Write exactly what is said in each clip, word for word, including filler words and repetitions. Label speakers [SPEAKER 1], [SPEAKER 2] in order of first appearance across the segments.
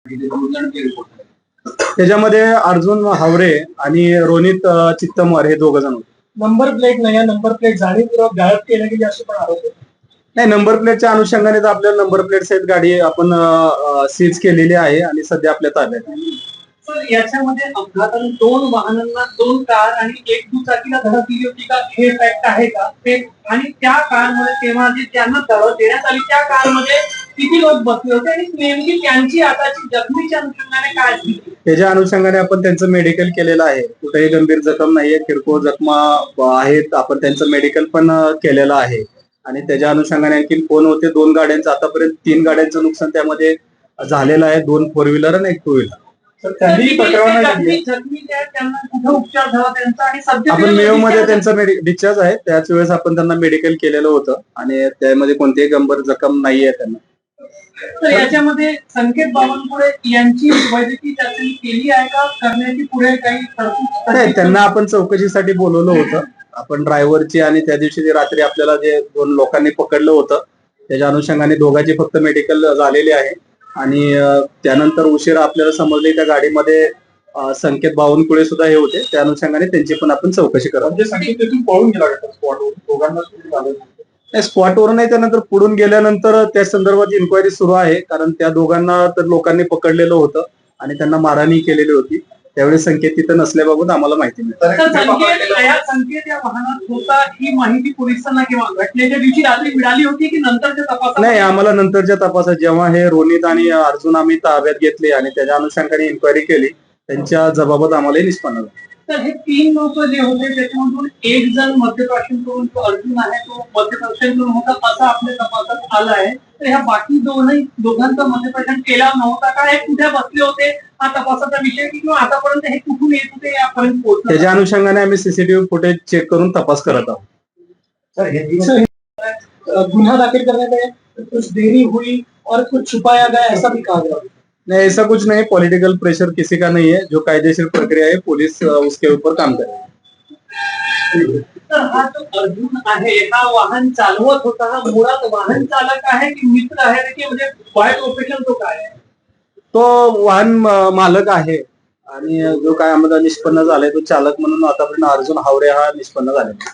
[SPEAKER 1] त्याच्यामध्ये अर्जुन हावरे आणि रोनित अ, चित्तमवार हे दोघ जण होते.
[SPEAKER 2] नंबर प्लेट नाही आहे, नंबर प्लेट जाणीवपूर्वक गायब केल्या गेली असे पण आरोप आहे.
[SPEAKER 1] नाही, नंबर प्लेटच्या अनुषंगाने तर आपल्याला नंबर प्लेट सहित गाडी आपण सीज केलेली आहे आणि सध्या आपल्या ताब्यात आहे.
[SPEAKER 2] सर, याच्यामध्ये अपघाताने दोन वाहनांना, दोन कार आणि एक दुचाकीला धडक दिली होती का, हे फॅक्ट आहे का ते? आणि त्या कारमध्ये तेव्हा जे त्यांना धडक देण्यात आली त्या कारमध्ये किती लोक बसले होते आणि नेमकी त्यांची आताची जखमीच्या अनुषंगाने काय स्थिती?
[SPEAKER 1] त्याच्या अनुषंगाने आपण त्यांचं मेडिकल केलेलं आहे. कुठेही गंभीर जखम नाहीये, किरकोळ जखमा आहेत. आपण त्यांचं मेडिकल पण केलेलं आहे आणि त्याच्या अनुषंगाने आणखी कोण होते, दोन गाड्यांचं आतापर्यंत तीन गाड्यांचं नुकसान त्यामध्ये झालेलं आहे, दोन फोर व्हीलर आणि एक टू व्हीलर. आपण मेव मध्ये त्यांचा डिस्चार्ज आहे, त्याच वेळेस आपण त्यांना मेडिकल केलेलं होतं आणि त्यामध्ये कोणतीही गंभीर जखम नाहीये त्यांना.
[SPEAKER 2] तर याच्यामध्ये संकेत बावनकुळे यांची वैद्यकीय चाचणी केली आहे का, करण्याची पुढे काही तरतूद?
[SPEAKER 1] नाही, त्यांना आपण चौकशीसाठी बोलवलं होतं. आपण ड्रायव्हरची आणि त्या दिवशी रात्री आपल्याला जे दोन लोकांनी पकडलं होतं त्याच्या अनुषंगाने दोघांची फक्त मेडिकल झालेली आहे आणि त्यानंतर उशिरा आपल्याला समजले त्या गाडीमध्ये संकेत बावनकुळे सुद्धा हे होते. त्या अनुषंगाने त्यांची पण आपण चौकशी करा.
[SPEAKER 2] पळून गेला स्पॉटवर?
[SPEAKER 1] स्पॉटवर नाही, त्यानंतर पुढून गेल्यानंतर त्या संदर्भात इन्क्वायरी सुरू आहे. कारण त्या दोघांना तर लोकांनी पकडलेलं होतं आणि त्यांना मारहाणी केलेली होती. त्यावेळी संकेत तिथं नसल्याबाबत आम्हाला माहिती
[SPEAKER 2] मिळाली. संकेत या वाहनात होता ही माहिती पोलिसांना किंवा घटनेच्या दिवशी रात्री मिळाली होती की नंतरच्या तपासात?
[SPEAKER 1] नाही, आम्हाला नंतरच्या तपासात जेव्हा हे रोनित आणि अर्जुन आम्ही ताब्यात घेतले आणि त्याच्या अनुषंगाने इन्क्वायरी केली, त्यांच्या जबाबत आम्हाला निष्पन्न झालं.
[SPEAKER 2] तर हे तीन लोक जे होते त्याच्यामधून एक जण मद्यप्राशन करून, तो अर्जुन आहे तो मद्यप्राशन करून होता असं आपल्या तपासात आलं आहे. तर ह्या बाकी दोनही दोघांचा मद्यप्राशन केला नव्हता का, हे कुठे बसले होते हा तपासाचा विषय, किंवा आतापर्यंत हे कुठून येत होते यापर्यंत पोहोचले?
[SPEAKER 1] त्याच्या अनुषंगाने आम्ही सीसीटीव्ही फुटेज चेक करून तपास करत आहोत.
[SPEAKER 2] गुन्हा दाखिल करने में कुछ देरी हुई और कुछ छुपाया गया ऐसा भी कहा गया?
[SPEAKER 1] नहीं, ऐसा कुछ नहीं. पॉलिटिकल प्रेशर किसी का नहीं है. जो कायदेशीर प्रक्रिया है पुलिस उसके ऊपर काम करे.
[SPEAKER 2] तर हा जो अर्जुन आहे हा वाहन चालवत होता, हा मुळात वाहन चालक आहे की मित्र आहे की म्हणजे बाय प्रोफेशन तो काय आहे?
[SPEAKER 1] तो वाहन मालक आहे आणि जो काय आम्हाला निष्पन्न झालाय तो चालक म्हणून आतापर्यंत अर्जुन हावरे हा निष्पन्न झालेला.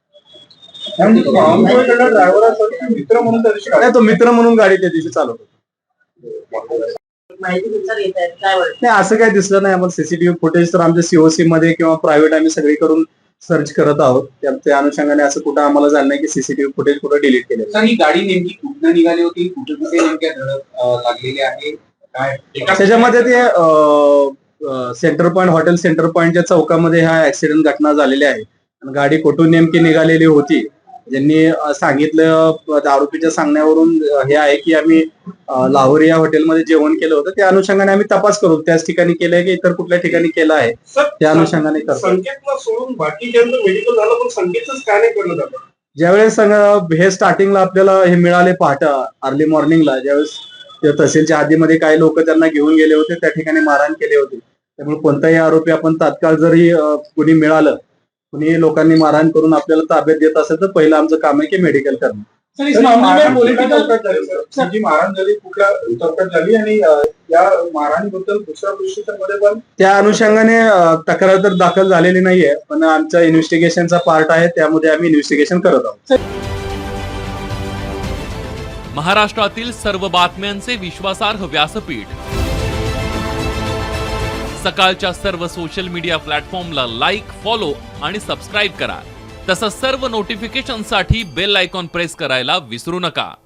[SPEAKER 2] मित्र म्हणून
[SPEAKER 1] नाही, तो मित्र म्हणून गाडी त्या दिवशी चालवत होता. नाही, असं काही दिसलं नाही आम्हाला. सीसीटीव्ही फुटेज तर आमच्या सीओसी मध्ये किंवा प्रायव्हेट आम्ही सगळी करून सर्च करत आहोत. त्या अनुषंगाने असं कुठं आम्हाला झालं नाही की सीसीटीव्ही फुटेज कुठं डिलीट केले.
[SPEAKER 3] सर, ही गाडी नेमकी कुठनं निघाली होती, कुठे कुठे नेमक्या धडक लागलेली आहे काय?
[SPEAKER 1] त्याच्यामध्ये ते सेंटर पॉइंट, हॉटेल सेंटर पॉइंटच्या चौकामध्ये हा ऍक्सिडेंट घटना झालेली आहे. गाडी कुठून नेमकी निघालेली होती, ज्यांनी सांगितलं आरोपीच्या सांगण्यावरून हे आहे की आम्ही लाहोर या हॉटेलमध्ये जेवण केलं होतं. त्या अनुषंगाने आम्ही तपास करू. त्याच ठिकाणी केलंय की इतर कुठल्या ठिकाणी केलं आहे त्या अनुषंगाने करतो.
[SPEAKER 2] संकेतला सोडून बाकीच्यांचं मेडिकल झालं पण संकेतच काय नाही करणं झालं?
[SPEAKER 1] ज्यावेळेस हे स्टार्टिंगला आपल्याला हे मिळाले पहाटे अर्ली मॉर्निंगला, ज्यावेळेस तहसीलच्या हद्दीमध्ये काही लोक त्यांना घेऊन गेले होते, त्या ठिकाणी मारहाण केले होते. त्यामुळे कोणताही आरोपी आपण तात्काळ जरी कुणी मिळालं, कुणी लोकांनी मारहाण करून आपल्याला ताब्यात देत असेल तर पहिलं आमचं काम आहे की मेडिकल करणं.
[SPEAKER 2] जी मारहाण झाली कुठल्या चौकात झाली आणि या मारहाणीबद्दल दुसऱ्या परिस्थितीमध्ये पण
[SPEAKER 1] त्या अनुषंगाने तक्रार तर दाखल झालेली नाहीये, पण आमच्या इन्व्हेस्टिगेशनचा पार्ट आहे, त्यामध्ये आम्ही इन्व्हेस्टिगेशन करत आहोत.
[SPEAKER 4] महाराष्ट्रातील सर्व बातम्यांचे विश्वासार्ह व्यासपीठ सकाळच्या सर्व सोशल मीडिया प्लॅटफॉर्मला लाईक, फॉलो आणि सबस्क्राईब करा. तसंच सर्व नोटिफिकेशनसाठी बेल आयकॉन प्रेस करायला विसरू नका.